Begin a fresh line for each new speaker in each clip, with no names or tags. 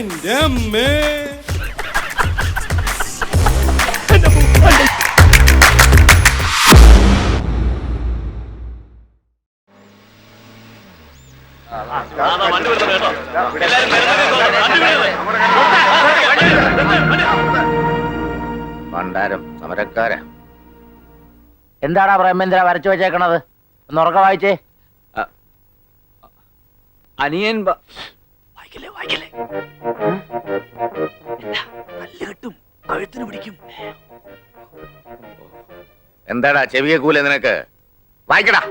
എന്റെ അമ്മേ.
ഭണ്ഡാരം സമരക്കാര.
എന്താടാ പ്രേമേന്ദ്ര വരച്ചു വെച്ചേക്കണത്? ഒന്ന് ഉറക്ക വായിച്ചേ.
അനിയൻ
കഴുത്തിന് പിടിക്കും.
എന്താടാ ചെവിയെ കൂലെ നിനക്ക്? വായിക്കടാ.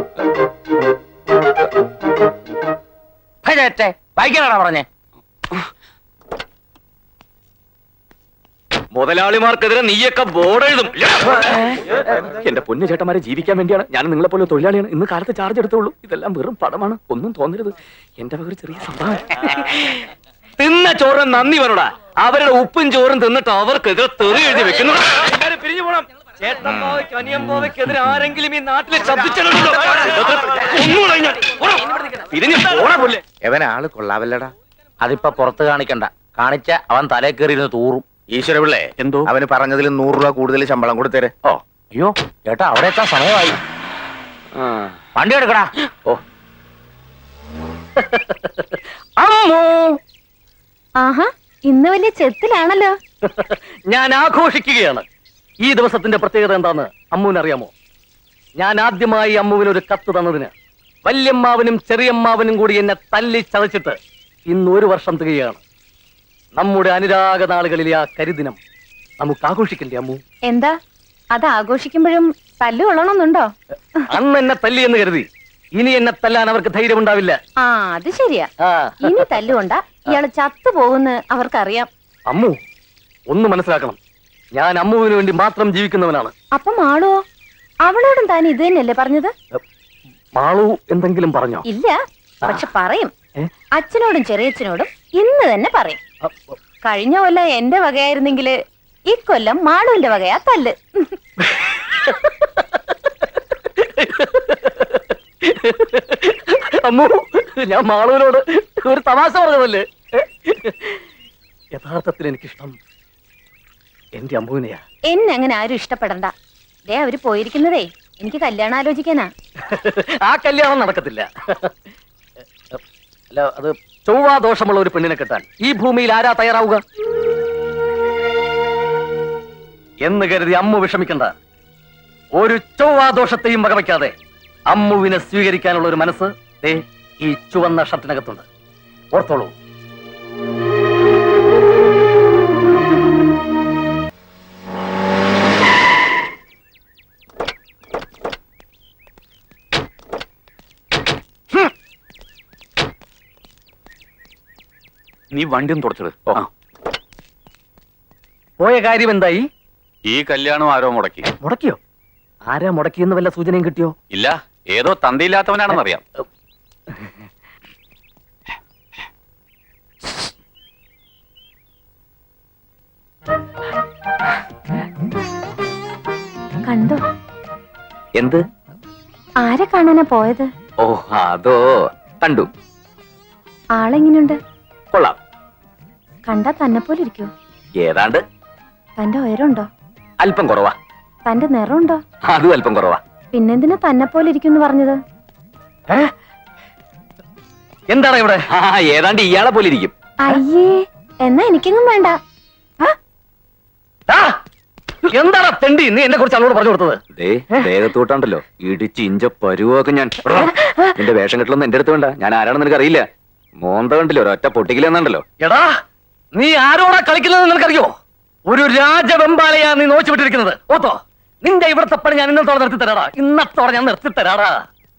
വായിക്കാനാടാ പറഞ്ഞേ?
മുതലാളിമാർക്കെതിരെ നീയൊക്കെ ബോർഡ് എഴുതും. എന്റെ പൊന്നു ചേട്ടന്മാരെ, ജീവിക്കാൻ വേണ്ടിയാണ് ഞാൻ നിങ്ങളെ പോലെ തൊഴിലാളിയാണ്. ഇന്ന് കാലത്ത് ചാർജ് എടുത്തുള്ളൂ. ഇതെല്ലാം വെറും പടമാണ്, ഒന്നും തോന്നരുത്. എന്റെ വക ഒരു ചെറിയ സംഭവം. തിന്ന ചോറിന് നന്ദി പറടാ. അവരുടെ ഉപ്പും ചോറും തിന്നിട്ട് അവർക്കെതിരെ തെറി എഴുതി വെക്കുന്നു. പിരിഞ്ഞു പോണം. ചേട്ടന്മാവയ്ക്ക് അനിയന്മാവയ്ക്കെതിരെ ആരെങ്കിലും ഈ നാട്ടിലെ ശബ്ദിച്ചിട്ടുണ്ടോ? എവനാള് കൊള്ളാവല്ലടാ.
അതിപ്പോ പുറത്ത് കാണിക്കണ്ട. കാണിച്ച അവൻ തലേ കയറിയിരുന്ന് തൂറും.
ഈശ്വര പിള്ളേ, എന്തോ അവന് പറഞ്ഞതിൽ 100 രൂപ കൂടുതൽ ശമ്പളം കൊടുത്തേരെ.
ഓ അയ്യോ ചേട്ടാ, അവിടെ എത്താൻ സമയമായി. വണ്ടി എടുക്കടാ.
ഓ
അമ്മോ,
ആഹാ, ഇന്ന് വലിയ ചെത്തിലാണല്ലോ.
ഞാൻ ആഘോഷിക്കുകയാണ്. ഈ ദിവസത്തിന്റെ പ്രത്യേകത എന്താന്ന് അമ്മുവിനറിയാമോ? ഞാൻ ആദ്യമായി അമ്മുവിനൊരു കത്ത് തന്നതിന് വല്യമ്മാവനും ചെറിയമ്മാവനും കൂടി എന്നെ തല്ലി ചതച്ചിട്ട് ഇന്ന് 1 വർഷം തികയാണ്. നമ്മുടെ അനുരാഗ നാളുകളിലെ ആ കരിദിനം നമുക്ക് ആഘോഷിക്കണ്ടേ അമ്മു?
എന്താ അത് ആഘോഷിക്കുമ്പോഴും തല്ലു കൊള്ളണമെന്നുണ്ടോ?
അന്ന് എന്നെ തല്ലി എന്ന് കരുതി ഇനി എന്നെ തല്ലാൻ അവർക്ക് ധൈര്യമുണ്ടാവില്ല.
ആ, അത് ശരിയാ. ഇനി തല്ലുകൊണ്ട ഇയാള് ചത്തുപോകുന്ന് അവർക്കറിയാം.
അമ്മു ഒന്ന് മനസ്സിലാക്കണം, ഞാൻ അമ്മുവിന് വേണ്ടി മാത്രം ജീവിക്കുന്നവനാണ്.
അപ്പൊ മാളുവോ? അവളോടും താൻ ഇത് തന്നെയല്ലേ പറഞ്ഞത്?
മാളു എന്തെങ്കിലും പറഞ്ഞോ?
ഇല്ല, പക്ഷെ പറയും. അച്ഛനോടും ചെറിയച്ഛനോടും ഇന്ന് തന്നെ പറയും. കഴിഞ്ഞ കൊല്ലം എന്റെ വകയായിരുന്നെങ്കില് ഇക്കൊല്ലം മാളുവിന്റെ വകയാ തല്ല്.
അമ്മു, ഞാൻ മാളുവിനോട് ഒരു തമാശ പറഞ്ഞതല്ലേ. യഥാർത്ഥത്തിൽ എനിക്കിഷ്ടം എന്റെ അമ്മുവിനെയാ.
എന്നെ അങ്ങനെ ആരും ഇഷ്ടപ്പെടണ്ട. ദേ അവര് പോയിരിക്കുന്നതേ എനിക്ക് കല്യാണം ആലോചിക്കാനാ.
ആ കല്യാണം നടക്കത്തില്ല. അല്ല, അത് ചൊവ്വാദോഷമുള്ള ഒരു പെണ്ണിനെ കെട്ടാൻ ഈ ഭൂമിയിൽ ആരാ തയ്യാറാവുക എന്ന് കരുതി അമ്മു വിഷമിക്കണ്ട. ഒരു ചൊവ്വാദോഷത്തെയും വകവയ്ക്കാതെ അമ്മുവിനെ സ്വീകരിക്കാനുള്ള ഒരു മനസ്സ് ദേ ഈ ചുവന്ന ഷർട്ടിനകത്തുണ്ട്. ഓർത്തോളൂ.
നീ വണ്ടിയും തുടച്ചത്
പോയ കാര്യം എന്തായി?
ഈ കല്യാണം ആരോ മുടക്കി.
മുടക്കിയോ? ആരാ മുടക്കിയെന്ന് വല്ല സൂചനയും കിട്ടിയോ?
ഇല്ല, ഏതോ തന്തയില്ലാത്തവനാണെന്നറിയാം.
കണ്ടോ?
എന്ത്?
ആരെ കാണാനാ പോയത്?
ഓ അതോ, കണ്ടു.
ആളെങ്ങനെയുണ്ട്?
കൊള്ളാം.
കണ്ടാ തന്നെ പോലെ ഇരിക്കോ?
ഏതാണ്ട്.
തന്റെ ഉയരമുണ്ടോ?
അല്പം കുറവാ.
തന്റെ നിറമുണ്ടോ?
അതും അല്പം കുറവാ.
പിന്നെന്തിനാ തന്നെ പോലെ ഇരിക്കും പറഞ്ഞത്?
എന്താണ് ഇവിടെ?
ഏതാണ്ട് ഇയാളെ പോലെ ഇരിക്കും.
അയ്യേ, എന്നാ എനിക്കെങ്ങും വേണ്ട.
എന്താണ് തെണ്ടി നീ എന്നെ കുറിച്ച് അവളോട് പറഞ്ഞു കൊടുത്തത്?
ദേഹത്തോട്ടാണ്ടല്ലോ ഇടിച്ച് ഇഞ്ച പരുവൊക്കെ ഞാൻ. നിന്റെ വേഷം കെട്ടലൊന്നും എന്റെ അടുത്ത് വേണ്ട. ഞാൻ ആരാണെന്ന് നിനക്ക് അറിയില്ല. മോന്ത കണ്ടില്ലോ, ഒരൊറ്റ പൊട്ടിക്കില്ലെന്നുണ്ടല്ലോ.
എടാ, നീ ആരോടാ കളിക്കുന്നത് നിനക്കറിയോ? ഒരു രാജവെമ്പാലയാ നീ നോച്ചു വിട്ടിരിക്കുന്നത്. ഓത്തോ, നിന്റെ ഇവിടുത്തെ പണി ഞാൻ ഇന്നത്തോടെ നിർത്തി തരാടാ. ഇന്നത്തോടെ ഞാൻ നിർത്തി തരാടാ.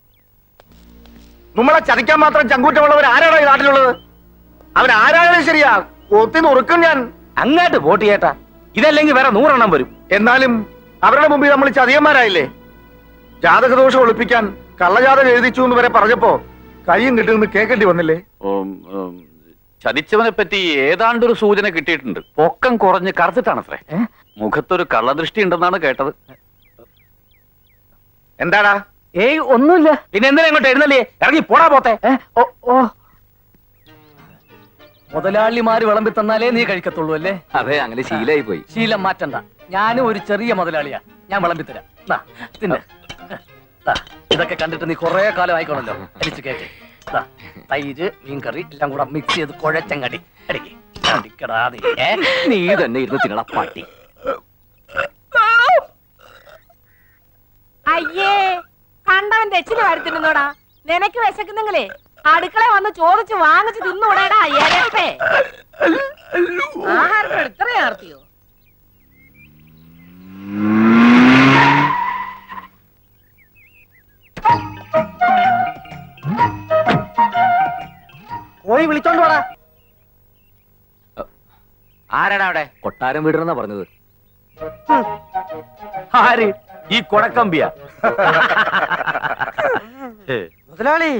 നമ്മളെ ചതിക്കാൻ മാത്രം ചങ്കൂറ്റമുള്ളവർ ആരാണോ ഈ നാട്ടിലുള്ളത്? അവൻ ആരായാലും ശരിയാ, കൊത്തി നുറുക്കും ഞാൻ.
അങ്ങോട്ട് വോട്ട് ചെയ്യട്ടാ. ഇതല്ലെങ്കിൽ വേറെ 100 എണ്ണം വരും.
എന്നാലും അവരുടെ മുമ്പിൽ നമ്മൾ ചതിയന്മാരായില്ലേ? ജാതകദോഷം ഒളിപ്പിക്കാൻ കള്ളജാതകം എഴുതിച്ചു എന്ന് വരെ പറഞ്ഞപ്പോ കയ്യും കിട്ടുമെന്ന് കേൾക്കേണ്ടി വന്നില്ലേ?
ചതിച്ചവനെ പറ്റി ഏതാണ്ടൊരു സൂചന കിട്ടിയിട്ടുണ്ട്. പൊക്കം കുറഞ്ഞ് കറുത്തിട്ടാണത്രേ. മുഖത്തൊരു കള്ളദൃഷ്ടി ഉണ്ടെന്നാണ് കേട്ടത്.
എന്താടാ?
ഏയ് ഒന്നുമില്ല. പിന്നെ എന്തിനാ ഇങ്ങോട്ട് എഴുന്നല്ലേ? ഇറങ്ങി പോടാ പോത്തെ. ഓ ഓ മുതലാളിമാര് വിളമ്പി തന്നാലേ നീ കഴിക്കത്തുള്ളൂ അല്ലേ?
അതെ, അങ്ങനെ ശീലായി പോയി.
ശീലം മാറ്റണ്ട. ഞാനും ഒരു ചെറിയ മുതലാളിയാ, ഞാൻ വിളമ്പി തരാം. ദാ, തിന്ന്. ദാ, ഇതൊക്കെ കണ്ടിട്ട് നീ കുറെ കാലം ആയിക്കോണല്ലോ. അടിച്ചു കേട്ടെ. തൈര്, മീൻകറി എല്ലാം കൂടെ മിക്സ് ചെയ്ത് കുഴച്ചങ്ങടി അടിക്ക്. അടിക്കടാ നീ.
നീ തന്നെ ഇരുന്ന് തിന്നണ പട്ടി.
അയ്യേ, കണ്ടവൻ രച്ചിന് വരുത്തിരുന്നോടാ. നിനക്ക് വിശക്കുന്നെങ്കിലേ അടുക്കള വന്ന് ചോദിച്ച് വാങ്ങിച്ച് തിന്നൂടാടാ. എരപ്പേ, ആഹാരത്തിന് ഇത്രയും ആർത്തിയോ?
പോയി വിളിച്ചോണ്ട് വാടാ.
ആരാടാ അവിടെ? കൊട്ടാരം വീടണെന്നാ പറഞ്ഞത്.
ആര്? ഈ കൊടക്കമ്പിയ?
മുതലാളി,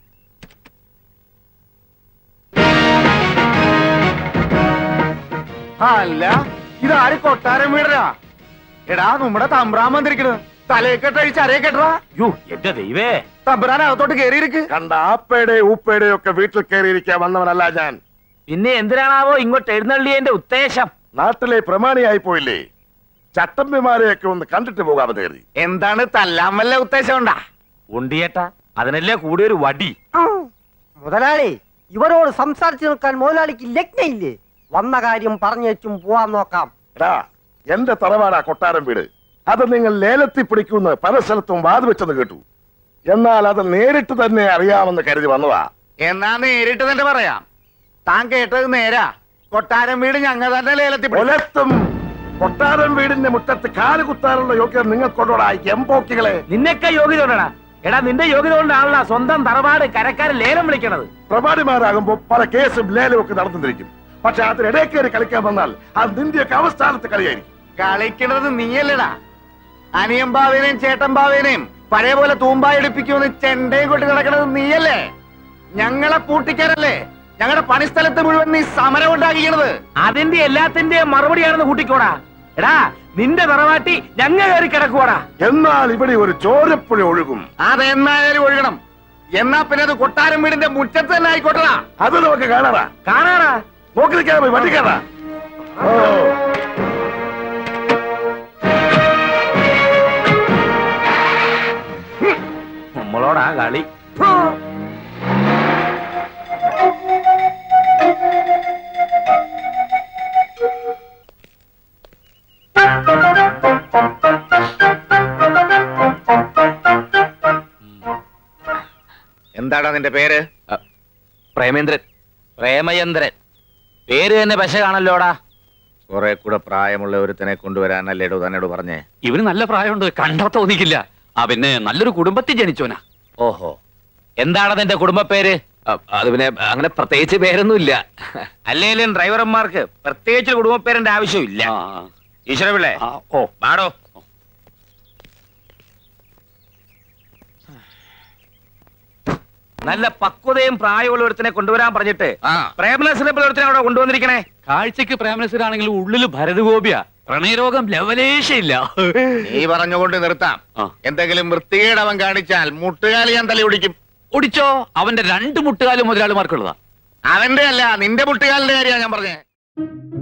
അല്ല, ഇതാര് കൊട്ടാരം വീടരാ? എടാ, നമ്മുടെ തമ്പ്രാൻ വന്നിരിക്കണ്. തലയെക്കെട്ടഴിച്ച് അരയെക്കെട്ടാ.
യോ എന്റെ ദൈവേ,
തമ്പ്രാൻ അകത്തോട്ട് കേറിയിരിക്ക്. കണ്ട ആപ്പയുടെ ഊപ്പയുടെ ഒക്കെ വീട്ടിൽ കയറിയിരിക്കാൻ വന്നവനല്ല ഞാൻ.
പിന്നെ എന്തിനാണാവോ ഇങ്ങോട്ട് എഴുന്നള്ളിയതിന്റെ ഉദ്ദേശം?
നാട്ടിലെ പ്രമാണിയായി പോയില്ലേ, ചട്ടമ്പിമാരെയൊക്കെ ഒന്ന് കണ്ടിട്ട് പോകാമെന്ന് കരുതി. എന്താണ് തല്ലാൻ വല്ല ഉദ്ദേശം ഉണ്ടാ?
ഉണ്ടിയേട്ടാ, അതിനല്ലേ കൂടിയൊരു വടി.
മുതലാളി, ഇവരോട് സംസാരിച്ചു നിൽക്കാൻ മുതലാളിക്ക് ലഗ്നയില്ലേ? വന്ന കാര്യം പറഞ്ഞേച്ചും പോവാൻ നോക്കാം.
എടാ, എന്റെ തറവാടാ കൊട്ടാരം വീട്. അത് നിങ്ങൾ ലേലത്തിൽ പിടിക്കുമെന്ന് പല സ്ഥലത്തും വാതുവെച്ചെന്ന് കേട്ടു. എന്നാൽ അത് നേരിട്ട് തന്നെ അറിയാമെന്ന് കരുതി വന്നതാ. എന്നാ നേരിട്ട് തന്നെ പറയാം. താൻ കേട്ടത് നേരാ. കൊട്ടാരം വീട് ഞങ്ങൾ തന്നെ ലേലത്തിൽ പുലർത്തും. കൊട്ടാരം വീടിന്റെ മുറ്റത്ത് കാല് കുത്താനുള്ള യോഗ്യത നിങ്ങൾക്കൊണ്ടോടാ എംപോക്കികളെ.
നിന്നൊക്കെ യോഗ്യത കൊണ്ടാ. എടാ, നിന്റെ യോഗ്യത കൊണ്ടാണല്ലോ സ്വന്തം തറവാട് കരക്കാരൻ ലേലം വിളിക്കണത്.
പ്രമാണിമാരാകുമ്പോ പല കേസും ലേലവും ഒക്കെ നടന്നിരിക്കും. പക്ഷെ അതിനിടയിൽ കയറി കളിക്കാൻ വന്നാൽ അത് നിന്റെയൊക്കെ അവസ്ഥാനത്ത് കളിയായിരിക്കും. കളിക്കണത് നീയല്ലടാ. അനിയമ്പാവേനെയും ചേട്ടമ്പാവേനെയും പഴയ പോലെ തൂമ്പായി എടുപ്പിക്കുമെന്ന് ചെണ്ടയും കൊട്ടി നടക്കണത് നീയല്ലേ? ഞങ്ങളെ പൂട്ടിക്കാരല്ലേ? ഞങ്ങളുടെ പണിസ്ഥലത്ത് മുഴുവൻ നീ സമരം ഉണ്ടാക്കിക്കണത്.
അതിന്റെ എല്ലാത്തിന്റെയും മറുപടിയാണെന്ന് കൂട്ടിക്കോടാ. എടാ, നിന്റെ തറവാട്ടി ഞങ്ങ കയറി കിടക്കുവാടാ.
എന്നാൽ ഇവിടെ ഒരു ചോരപ്പുഴ ഒഴുകും. അതെന്നായാലും ഒഴുകണം. എന്നാ പിന്നെ അത് കൊട്ടാരം വീടിന്റെ മുറ്റത്ത് തന്നെ ആയിക്കോട്ടടാ. അത് നമുക്ക് കാണാറാ.
കാണാടാ.
നോക്കി നിൽക്കാതെ പോയി വണ്ടിക്കാറാ. ഓ,
നമ്മളോടാ കളി.
എന്താടാ നിന്റെ പേര്?
പ്രേമേന്ദ്രൻ.
പ്രേമചന്ദ്രൻ. പേര് തന്നെ പശ കാണല്ലോടാ.
കുറെ കൂടെ പ്രായമുള്ള ഒരുത്തനെ കൊണ്ടുവരാനല്ലേടോ തന്നോട് പറഞ്ഞേ?
ഇവന് നല്ല പ്രായമുണ്ട്, കണ്ടാ തോന്നിക്കില്ല. പിന്നെ നല്ലൊരു കുടുംബത്തിൽ ജനിച്ചോനാ.
ഓഹോ, എന്താണ് നിന്റെ കുടുംബ പേര്?
അത് പിന്നെ അങ്ങനെ പ്രത്യേകിച്ച് പേരൊന്നുമില്ല.
അല്ലേലും ഡ്രൈവർമാർക്ക് പ്രത്യേകിച്ച് കുടുംബ പേരിന്റെ ആവശ്യമില്ല. ഈശ്വരപിള്ളേ,
ഓ
പാടോ. നല്ല പക്വതയും പ്രായമുള്ള ഒരുത്തിനെ കൊണ്ടുവരാൻ പറഞ്ഞിട്ട് പ്രേമനസിനെ ഒരുത്തിനെ അവിടെ കൊണ്ടുവന്നിരിക്കണേ.
കാഴ്ചക്ക് പ്രേമനസരാണെങ്കിലും ഉള്ളില് ഭരതഗോപിയ. പ്രണയരോഗം ലവലേശയില്ല.
നീ പറഞ്ഞുകൊണ്ട് നിർത്താം. എന്തെങ്കിലും വൃത്തികേട് അവൻ കാണിച്ചാൽ മുട്ടുകാലി ഞാൻ തലി ഒടിക്കും.
ഒടിച്ചോ? അവന്റെ 2 മുട്ടുകാലും മുതലാളിമാർക്കുള്ളതാ.
അവന്റെ അല്ല, നിന്റെ മുട്ടുകാലിന്റെ കാര്യമാണ് ഞാൻ പറഞ്ഞേ.